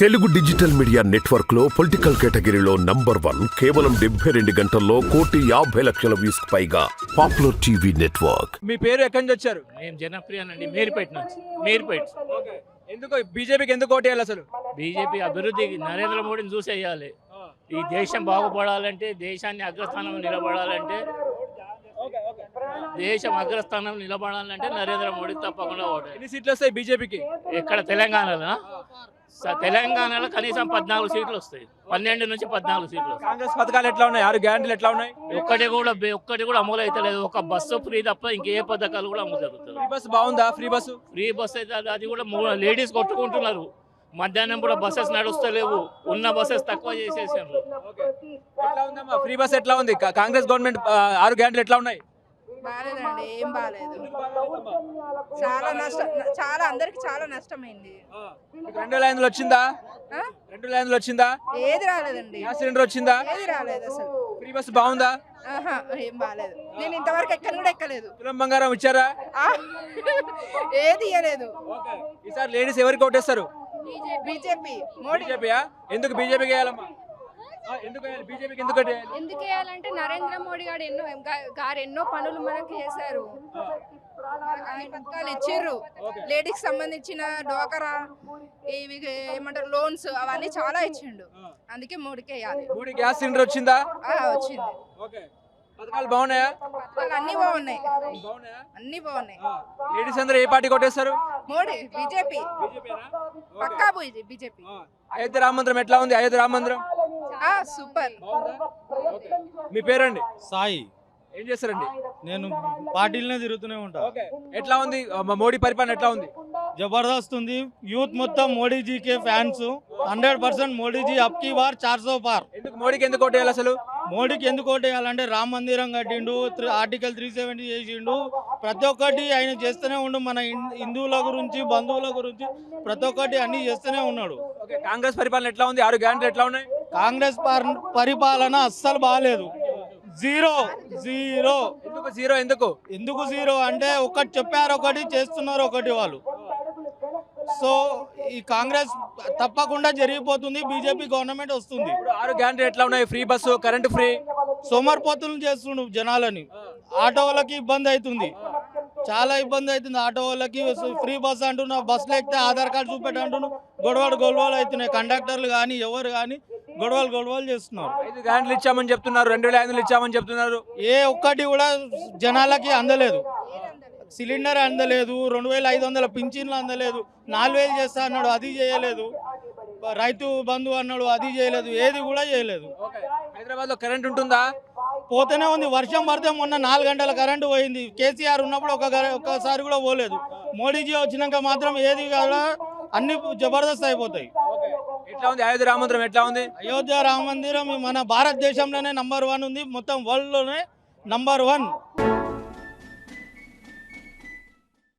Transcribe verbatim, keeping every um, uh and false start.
Telugu digital media network లో political కేటగిరీలో number one కేవలం డెబ్బై రెండు గంటల్లో కోటి యాభై లక్షల వ్యూస్ పైగా పాపులర్ టీవీ నెట్వర్క్. మీ పేరు ఎక్కడి నుంచి వచ్చారు? మేము జనప్రియనండి, మేరిపేట నుంచి. మేరిపేట. ఎందుకు బీజేపీకి ఎందుకు ఓటేయాలి అసలు? బీజేపీ అభివృద్ధి నరేంద్ర మోడీని చూసేయాలి. ఈ దేశం బాగుపడాలంటే, దేశాన్ని అగ్రస్థానం నిలబడాలంటే, దేశం అగ్రస్థానం నిలబడాలంటే నరేంద్ర మోడీ తప్పకుండా ఓటే. ఎన్ని సీట్లు వస్తాయి బీజేపీకి? ఎక్కడ తెలంగాణలో స- తెలంగాణలో కనీసం పద్నాలుగు సీట్లు వస్తాయి. పన్నెండు నుంచి పద్నాలుగు సీట్లు వస్తాయి. కాంగ్రెస్ పథకాలు ఎట్లా ఉన్నాయి? ఆరు గ్యారెంటీలు ఎట్లా ఉన్నాయి? ఒక్కటి కూడా ఒక్కటి కూడా అమలు అయితే లేదు. ఒక బస్సు ఫ్రీ తప్ప ఇంకే పథకాలు కూడా అమలు జరుగుతుంది. ఫ్రీ బస్ బాగుందా? ఫ్రీ బస్సు ఫ్రీ బస్ అయితే అది- అది కూడా మూ- లేడీస్ కొట్టుకుంటున్నారు. మధ్యాహ్నం కూడా బస్సెస్ నడుస్తలేవు. ఉన్న బస్సెస్ తక్కువ చేసేసారు. ఎట్లా ఉందమ్మా ఫ్రీ బస్? ఎట్లా ఉంది? కా- కాంగ్రెస్ గవర్నమెంట్ ఆ, ఆరు గ్యారెంటీలు ఎట్లా ఉన్నాయి? బాలేదండి, ఏం బాలేదు. చాలా నష్టం, చాలా అందరికి చాలా నష్టమైంది. మీకు రెండు వేల ఐదులో వచ్చిందా? ఆ? రెండు వేల ఐదులో వచ్చిందా? ఏది రాలేదండి, గ్యాస్ సిలిండర్ వచ్చిందా? ఏది రాలేదు అసలు. ఫ్రీ బస్ బాగుందా? ఆహా, ఏం బాలేదు. నేను ఇంతవరకు ఎక్కని కూడా ఎక్కలేదు. తులం బంగారం ఇచ్చారా? ఆ? ఏది ఇవ్వలేదు. ఈసారి లేడీస్ ఎవరికి ఓటేస్తారు? బీజేపీ, మోడీ. బీజేపీయా? ఎందుకు బీజేపీకి వేయాలమ్మా? ఆ, ఎందుకు వేయాలి? బీజేపీకి ఎందుకు ఓటేయాలి? ఎందుకు వేయాలంటే నరేంద్ర మోడీ గారు ఎన్నో గా- గారు ఎన్నో పనులు మనకి చేశారు. అన్ని పథకాలు ఇచ్చిర్రు. లేడీస్ సంబంధించిన డోకరా, ఇవి ఏమంటారు లోన్స్, అవన్నీ చాలా ఇచ్చిండు. అందుకే మోడీకి వేయాలి. మూడు గ్యాస్ సిలిండర్ వచ్చిందా? ఆ, వచ్చింది. ఓకే. పథకాలు బాగున్నాయా? పథకాలు అన్ని బాగున్నాయి, బాగున్నాయా? అన్ని బాగున్నాయి. లేడీస్ అందరూ ఏ పార్టీ కొట్టేస్తారు? మోడీ, బీజేపీ, పక్కా బీజేపీ. అయోధ్య రామ మందిరం ఎట్లా ఉంది? అయోధ్య రామ మందిరం ఆ, సూపర్. బాగుందా? ఓకే. మీ పేరండి? సాయి. ఏం చేస్తారండి? నేను పార్టీలనే తిరుగుతూనే ఉంటా. ఓకే. ఎట్లా ఉంది ఆ, మోడీ పరిపాలన ఎట్లా ఉంది? జబర్దస్త్ ఉంది. యూత్ మొత్తం మోడీజీకే ఫ్యాన్స్. హండ్రెడ్ పర్సెంట్ మోడీజీ అప్కి బార్ చార్ సో పార్. ఎందుకు మోడీకి ఎందుకు ఓటేయాలి అసలు? మోడీకి ఎందుకు ఓటేయాలంటే రామ మందిరం కట్టిండు, త్రి- ఆర్టికల్ త్రీ సెవెంటీ చేసిండు. ప్రతి ఒక్కటి ఆయన చేస్తూనే ఉండు. మన హిం- హిందువుల గురించి, బంధువుల గురించి ప్రతి ఒక్కటి అన్ని చేస్తూనే ఉన్నాడు. ఓకే. కాంగ్రెస్ పరిపాలన ఎట్లా ఉంది? ఆరు గ్యారెంటీలు ఎట్లా ఉన్నాయి? కాంగ్రెస్ పార్- పరిపాలన అస్సలు బాగాలేదు. Zero zero. ఎందుకు జీరో? ఎందుకు? ఎందుకు జీరో అంటే ఒకటి చెప్పారు ఒకటి చేస్తున్నారు ఒకటి వాళ్ళు. సో ఈ కాంగ్రెస్ తప్పకుండా జరిగిపోతుంది. బీజేపీ గవర్నమెంట్ వస్తుంది. ఇప్పుడు ఆరు గ్యారెంటీలు ఎట్లా ఉన్నాయి? Free bus, current free. సోమర్పోతులు చేస్తుండు జనాలని. ఆటో వాళ్ళకి ఇబ్బంది అవుతుంది, చాలా ఇబ్బంది అవుతుంది ఆటో వాళ్ళకి. ఫ్రీ బస్ అంటున్నా, బస్సులు ఎక్కితే ఆధార్ కార్డు చూపెట్టి అంటున్నా, గొడవలు గొడవలు అవుతున్నాయి. కండక్టర్లు కానీ ఎవరు కానీ గొడవలు గొడవలు చేస్తున్నారు. ఐదు గ్యారెంటీలు ఇచ్చామని చెప్తున్నారు, రెండు వేల ఐదులు ఇచ్చామని చెప్తున్నారు. ఏ ఒక్కటి కూడా జనాలకి అందలేదు. సిలిండర్ అందలేదు, రెండు వేల ఐదు వందల పింఛన్లు అందలేదు, నాలుగు వేలు చేస్తా అన్నాడు, అది చేయలేదు. రైతు బంధు అన్నాడు, అది చేయలేదు. ఏది కూడా చేయలేదు. హైదరాబాద్ లో కరెంట్ ఉంటుందా? పోతూనే ఉంది. వర్షం పడితే మొన్న నాలుగు గంటల కరెంటు పోయింది. కేసీఆర్ ఉన్నప్పుడు ఒక గర- ఒక్కసారి కూడా పోలేదు. మోడీజీ వచ్చినాక మాత్రం ఏది కూడా అన్ని జబర్దస్త్ అయిపోతాయి. ఎట్లా ఉంది అయోధ్య రామ మందిరం? ఎట్లా ఉంది? అయోధ్య రామ మందిరం మన భారతదేశంలోనే నంబర్ వన్ ఉంది, మొత్తం వరల్డ్ లోనే నంబర్ వన్.